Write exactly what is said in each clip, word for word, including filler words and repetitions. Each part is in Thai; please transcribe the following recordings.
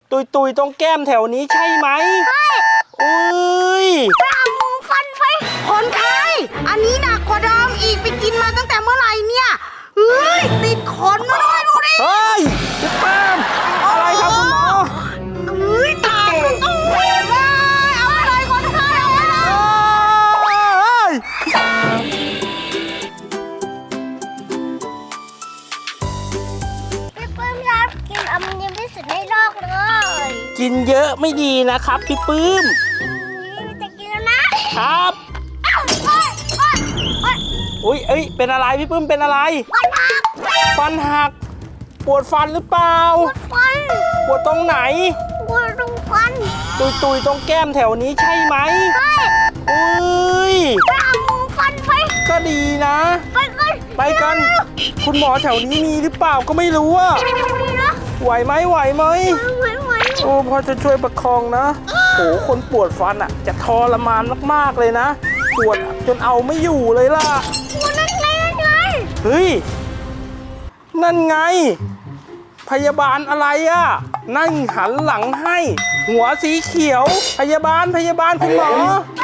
ตุยตุยตรงแก้มแถวนี้ใช่ไหมใช่อุ้ยไปเอาหมูฟันไปคนไข้อันนี้หนักกว่าเดิมอีกไปกินมาตั้งแต่เมื่อไหร่เนี่ยเฮ้ยติดขนมาด้วยดูดิเฮ้ยพี่เปิ้มอะไรครับคุณหมอเฮ้ยตามันต้องเว้ยเอาไปเลยคนไข้เอาไปเลยพี่ปื้มครับกินอมยิ้มที่สุดในโลกเลยกินเยอะไม่ดีนะครับพี่ปื้มจะกินแล้วนะครับอุ้ยเอ้ยเป็นอะไรพี่ปื้มเป็นอะไรฟันหักฟันหักปวดฟันหรือเปล่าปวดฟันปวดตรงไหนปวดตรงฟันตุยตุยตรงแก้มแถวนี้ใช่ไหมใช่อุ้ยไปเอาหมูฟันไปก็ดีนะไปกันไปกันคุณหมอแถวนี้มีหรือเปล่าก็ไม่รู้อะไหวไหมไหวไหมไหวไหวโอ้พอจะช่วยประคองนะโหคนปวดฟันอะจะทรมานมากๆเลยนะปวดจนเอาไม่อยู่เลยล่ะปวดนั่นไงนั่นไงเฮ้ยนั่นไงพยาบาลอะไรอะนั่งหันหลังให้หัวสีเขียวพยาบาลพยาบาลคุณหมอ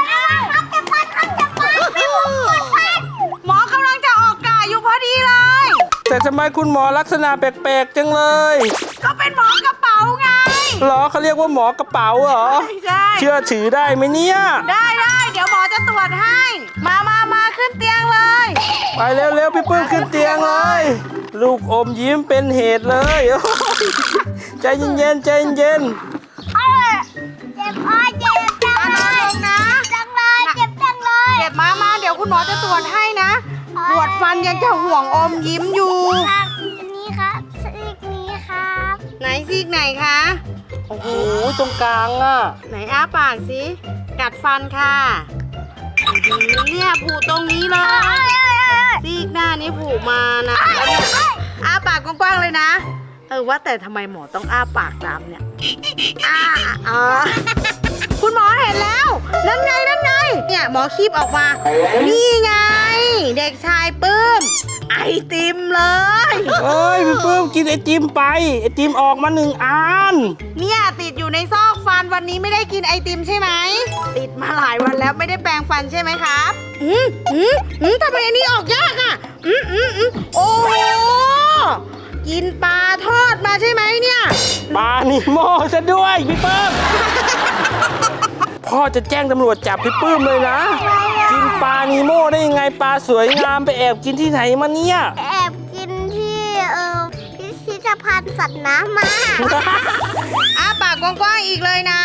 หมอกำลังจะออกกะอยู่พอดีเลยแต่ทำไมคุณหมอลักษณะแปลกๆจังเลยก็เป็นหมอกระเป๋าไงหรอเขาเรียกว่าหมอกระเป๋าเหรอใช่เชื่อถือได้ไหมเนี่ยได้ได้เดี๋ยวหมอจะตรวจให้มามามาขึ้นเตียงเลยไปเร็วๆพี่ปื้มขึ้นเตียงเลยลูกอมยิ้มเป็นเหตุเลยใจเย็นๆใจเย็นเจ็บอ้อยเจ็บจังเลยนะจังเลยเจ็บจังเลยเจ็บมามาเดี๋ยวคุณหมอจะตรวจให้นะปวดฟันยังจะห่วงอมยิ้มอยู่ครับอันนี้ครับซีกนี้ครับไหนซีกไหนคะโอ้โหตรงกลางอ่ะไหนอ้าปากสิกัดฟันค่ะเนี่ยผูตรงนี้เลยซีกหน้านี้ผูมานะอ้าปากกว้างๆเลยนะเออว่าแต่ทำไมหมอต้องอ้าปากตามเนี่ยอ้าอ๋อคุณหมอเห็นแล้วนั่นไงนั่นไงเนี่ยหมอคีบออกมานี่ไงเด็กชายปื้มไอติมเลยเอ้ยพี่ปื้มกินไอติมไปไอติมออกมาหนึ่งอันเนี่ยติดอยู่ในซอกฟันวันนี้ไม่ได้กินไอติมใช่ไหมติดมาหลายวันแล้วไม่ได้แปรงฟันใช่ไหมครับอืมอืมอืมทำไมอันนี้ออกยากอ่ะอืมอืมอืมโอ้โหกินปลาทอดมาใช่ไหมเนี่ยปลานิโม่ซะด้วยพี่ปื้มพ่อจะแจ้งตำรวจจับพี่ปื้มเลยนะกินปลานิโม่ได้ยังไงปลาสวยงามไปแอบกินที่ไหนมาเนี่ยแอบกินที่เออพิพิธภัณฑ์สัตว์น้ำมาอ้าปากกว้างๆอีกเลยนะ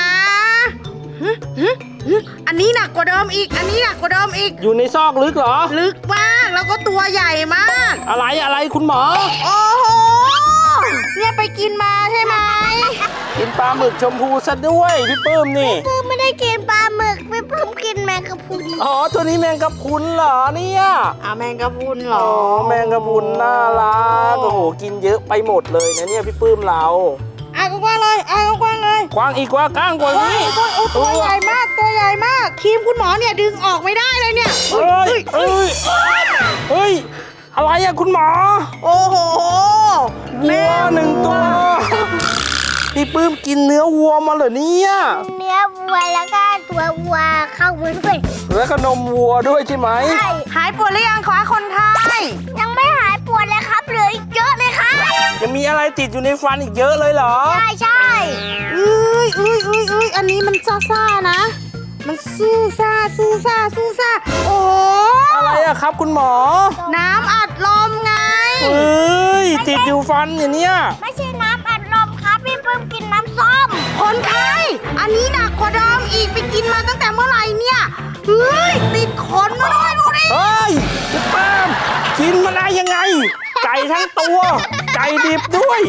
อันนี้หนักกว่าเดิมอีกอันนี้หนักกว่าเดิมอีกอยู่ในซอกลึกเหรอลึกมากแล้วก็ตัวใหญ่มากอะไรอะไรคุณหมอโอ้โหเนี่ยไปกินมาใช่ไหมกินปลาหมึกชมพูซะด้วยพี่ปื้มนี่พี่ปื้มไม่ได้กินปลาหมึกพี่ปื้มกินแมงกะพรุนอ๋อตัวนี้แมงกะพรุนเหรอเนี่ยอ่าแมงกะพรุนเหรออ๋อแมงกะพรุนน่ารักโอ้โหกินเยอะไปหมดเลยนะเนี่ยพี่ปื้มเราอ่ะกว้างเลยอ่ะกว้างเลยกว้างอีกกว่าก้างกว่านี้ตัวใหญ่มากตัวใหญ่มากครีมคุณหมอเนี่ยดึงออกไม่ได้เลยเนี่ยเฮ้ยเฮ้ยเฮ้ยอะไรอะคุณหมอโอ้โหวัวหนึ่งตัวพี่ปื้มกินเนื้อวัวมาเหรอเนี่ยเนื้อวัวแล้วก็ตัววัวเข้าไปด้วยแล้วก็นมวัวด้วยใช่ไหมใช่หายปวดหรือยังคะคนไข้ยังไม่หายปวดเลยครับเหลืออีกเยอะเลยครับยังมีอะไรติดอยู่ในฟันอีกเยอะเลยเหรอใช่ใช่เอ้ยเอ้ยเอ้ยเอ้ยอันนี้มันซ่าซ่านะมันสู้ซ่าสู้ซ่าสู้ซ่าโอ้อะไรอะครับคุณหมอน้ำอัดลมไงเอ้ยติดอยู่ฟันอย่างเนี้ยไม่ใช่น้ำอัดลมครับพี่ปื้มกินน้ำส้มคนไข้อันนี้หนักกว่าเดิมอีกไปกินมาตั้งแต่เมื่อไหร่เนี่ยเฮ้ยติดขนมาด้วยดูดิเฮ้ยพี่ปื้มกินมาได้ยังไงไก่ทั้งตัวไก่ดิบด้วย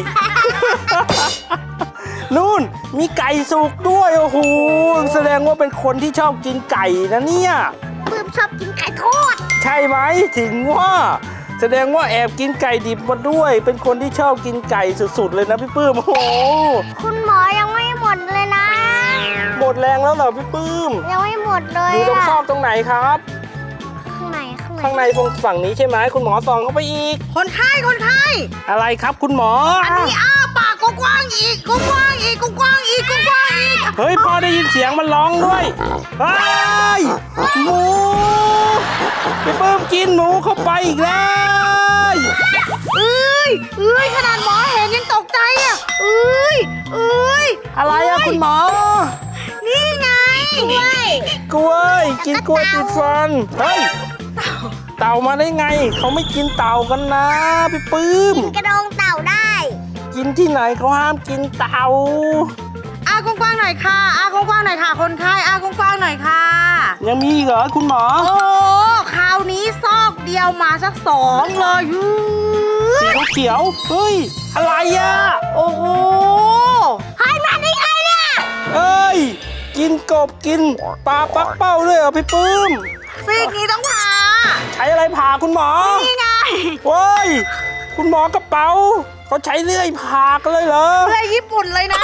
นู่นมีไก่สุกด้วยโอ้โหแสดงว่าเป็นคนที่ชอบกินไก่นะเนี่ยปื้มชอบกินไก่ทอดใช่ไหมถึงว่าแสดงว่าแอบกินไก่ดิบมาด้วยเป็นคนที่ชอบกินไก่สุดๆเลยนะพี่ปื้มโอ้โหคุณหมอยังไม่หมดเลยนะหมดแรงแล้วเหรอพี่ปื้มยังไม่หมดเลยอยู่ตรงซอกตรงไหนครับข้างในข้างในตรงฝั่งนี้ใช่ไหมคุณหมอส่องเข้าไปอีกคนไข้คนไข้อะไรครับคุณหมออันนี้อ้าปากกว้างอีกกว้างอีกกว้างอีเฮ้ยพ่อได้ยินเสียงมันร้องด้วยเฮ้ยหมูพี่ปื้มกินหมูเข้าไปอีกแล้วเอ้ยเอ้ยขนาดหมอเห็นยังตกใจอ่ะเอ้ยเอ้ยอะไรอะคุณหมอนี่ไงกล้วยกล้วยกินกล้วยติดฟันเฮ้ยเต่ามาได้ไงเขาไม่กินเต่ากันนะพี่ปื้มกระดองเต่าได้กินที่ไหนเขาห้ามกินเต่าอากว้างๆหน่อยค่ะอากว้างๆหน่อยค่ะคนไข้อากว้างๆหน่อยค่ะยังมีอีกเหรอคุณหมอโอ้คราวนี้ซอกเดียวมาสักสองเลยยูสีเขียวๆเฮ้ยอะไรอะโอ้โหให้มาได้ไงเนี่ยเอ้ยกินกบกินปลาปักเป้าด้วยเหรอพี่ปื้มซีกนี้ต้องผ่าใช้อะไรผ่าคุณหมอนี่ไงเว้ยคุณหมอกระเป๋าเขาใช้เลื่อยผ่ากันเลยเหรอเพื่อญี่ปุ่นเลยนะ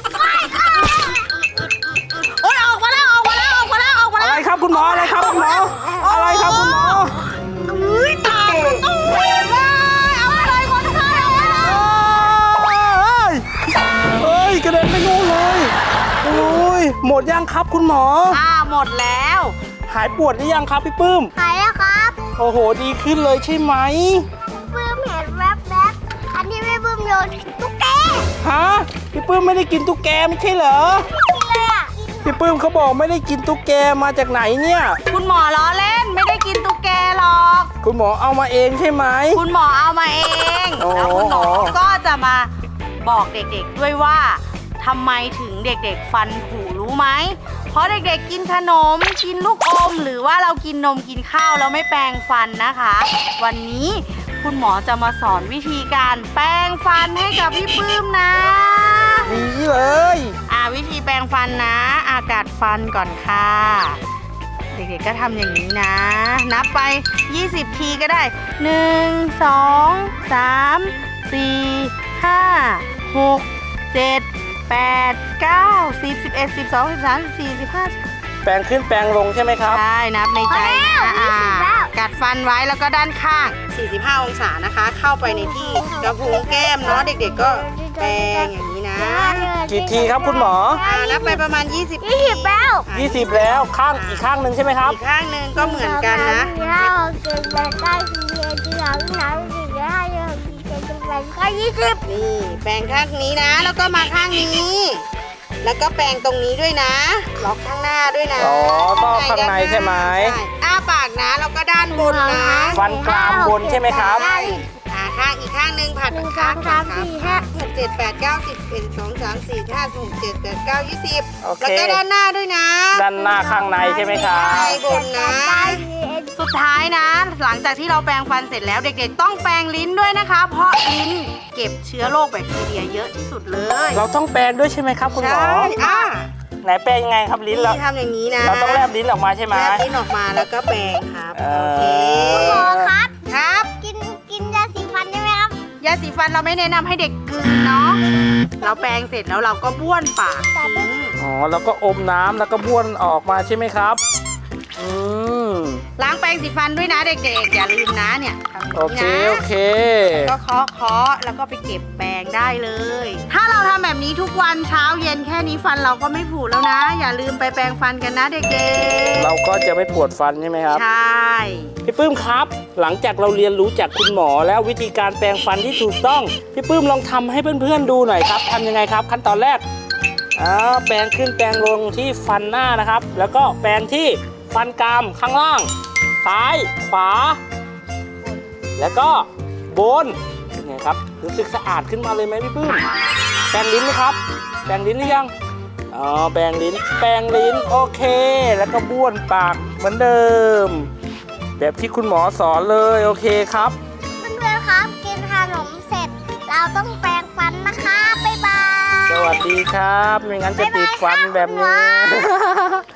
โอ้ยออกมาแล้วออกมาแล้วออกมาแล้วออกมาอะแล้วไรครับคุณหมออะไรครับคุณหมออะไรครับคุณหมอเฮ้ยตายตู้เลยเอาไปเลยคนไข้เอาไปเลยเอ้ยเอ้ยกระเด็นไปนู่นเลยโอ้ยหมดยังครับคุณหมออ่าหมดแล้วหายปวดหรือยังครับพี่ปื้มหายแล้วครับโอ้โหดีขึ้นเลยใช่ไหมปื้มเห็นแวบๆอันที่ไม่ปื้มโยนตุ๊กแกฮะพี่ปื้มไม่ได้กินตุ๊กแกไม่ใช่เหรอกินเลยอ่ะพี่ปื้มเขาบอกไม่ได้กินตุ๊กแกมาจากไหนเนี่ยคุณหมอล้อเล่นไม่ได้กินตุ๊กแกหรอกคุณหมอเอามาเองใช่ไหมคุณหมอเอามาเองอ๋อแล้วคุณหมอก็จะมาบอกเด็กๆด้วยว่าทำไมถึงเด็กๆฟันผุรู้ไหม เพราะเด็กๆกินขนมกินลูกอม หรือว่าเรากินนมกินข้าวแล้วไม่แปรงฟันนะคะ วันนี้คุณหมอจะมาสอนวิธีการแปรงฟันให้กับพี่ปื้มนะดีเลยอ่าวิธีแปรงฟันนะอากาศฟันก่อนค่ะ เด็กๆก็ทำอย่างนี้นะ นับไป ยี่สิบ ทีก็ได้ หนึ่ง สอง สาม สี่ ห้า หก เจ็ด แปด เก้า สิบ สิบเอ็ด สิบสอง สิบสาม สิบสี่ สิบห้าแปลงขึ้นแปลงลงใช่ไหมครับใช่นับในใจนะอ่ายี่สิบแล้วกัดฟันไว้แล้วก็ด้านข้าง สี่สิบห้า องศานะคะ เข้าไปในที่กระพุ้งแก้มเนาะเด็กๆก็แปรงอย่างนี้นะกี่ทีครับคุณหมออ่านับไปประมาณ ยี่สิบยี่สิบแล้วยี่สิบแล้วข้างอีกข้างหนึ่งใช่ไหมครับอีกข้างหนึ่งก็เหมือนกันนะสี่ห้าหกเจ็ดแปดเก้าสิบเอ็ดสิบสองสิบสามสิบสี่สิบห้าสิบหกสิบเจ็ดสิบแปดก็ยี่สิบนี่แปรงข้างนี้นะ แล้วก็มาข้างนี้ แล้วก็แปรงตรงนี้ด้วยนะล็อกข้างหน้าด้วยนะอ๋อต้องข้างในใช่ไหมใช่อ้าปากนะแล้วก็ด้านบนนะฟันกรามบนใช่ไหมครับใช่อ่าข้างอีกข้างหนึ่งผัดหนึ่งสข้าอง งก่อสาน มครับสี่ห้าหกเจ็ดแปดเก้าสิบเอ็ดสองสามสี่ห้าหกเจ็ดแปดเก้ายี่สิบโอเคแล้วก็ด้านหน้าด้วยนะด้านหน้าข้างในใช่ไหมครับใช่บนนะ สุดท้ายนะ หลังจากที่เราแปรงฟันเสร็จแล้วเด็กๆต้องแปรงลิ้นด้วยนะคะ เพราะลิ้นเก็บเชื้อโรคแบคทีเรียเยอะที่สุดเลยเราต้องแปลงด้วยใช่ไหมครับคุณหมอใช่อ่ะไหนแปลงยังไงครับลิ้นเรานี่ทำอย่างนี้นะเราต้องแลบลิ้นออกมาใช่ไหมแลบลิ้นออกมาแล้วก็แปรงครับเออโอเคหมอครับครับกินกินยาสีฟันได้ไหมครับยาสีฟันเราไม่แนะนำให้เด็กกลืนเนาะเราแปรงเสร็จแล้วเราก็บ้วนปากทิ้งอ๋อแล้วก็อมน้ำแล้วก็บ้วนออกมาใช่ไหมครับอืมล้างแปรงสีฟันด้วยนะเด็กๆอย่าลืมนะเนี่ยทำโออย่างเคนี้โอนะเคก็เคาะเคาะแล้วก็ไปเก็บแปรงได้เลย ถ้าเราทำแบบนี้ทุกวันเช้าเย็นแค่นี้ฟันเราก็ไม่ผุแล้วนะ อย่าลืมไปแปรงฟันกันนะเด็กเราก็จะไม่ปวดฟันใช่ไหมครับๆใช่พี่ปื้มครับ หลังจากเราเรียนรู้จากคุณหมอแล้ววิธีการแปรงฟันที่ถูกต้องพี่ปื้มลองทำให้เพื่อนๆดูหน่อยครับทำยังไงครับ ขั้นตอนแรกอ่าแปรงขึ้นแปรงลงที่ฟันหน้านะครับ แล้วก็แปรงที่ฟันกรามข้างล่าง ซ้ายขวา แล้วก็บนเป็นไงครับรู้สึกสะอาดขึ้นมาเลยไหมพี่ปื้มแปรงลิ้นไหมครับแปรงลิ้นหรือยังอ๋อแปรงลิ้นแปรงลิ้นโอเค แล้วก็บ้วนปากเหมือนเดิม แบบที่คุณหมอสอนเลยโอเคครับเพื่อนๆครับ กินขนมเสร็จ เราต้องแปรงฟันนะคะบ๊ายบายสวัสดีครับไม่งั้นจะติดฟันแบบนี้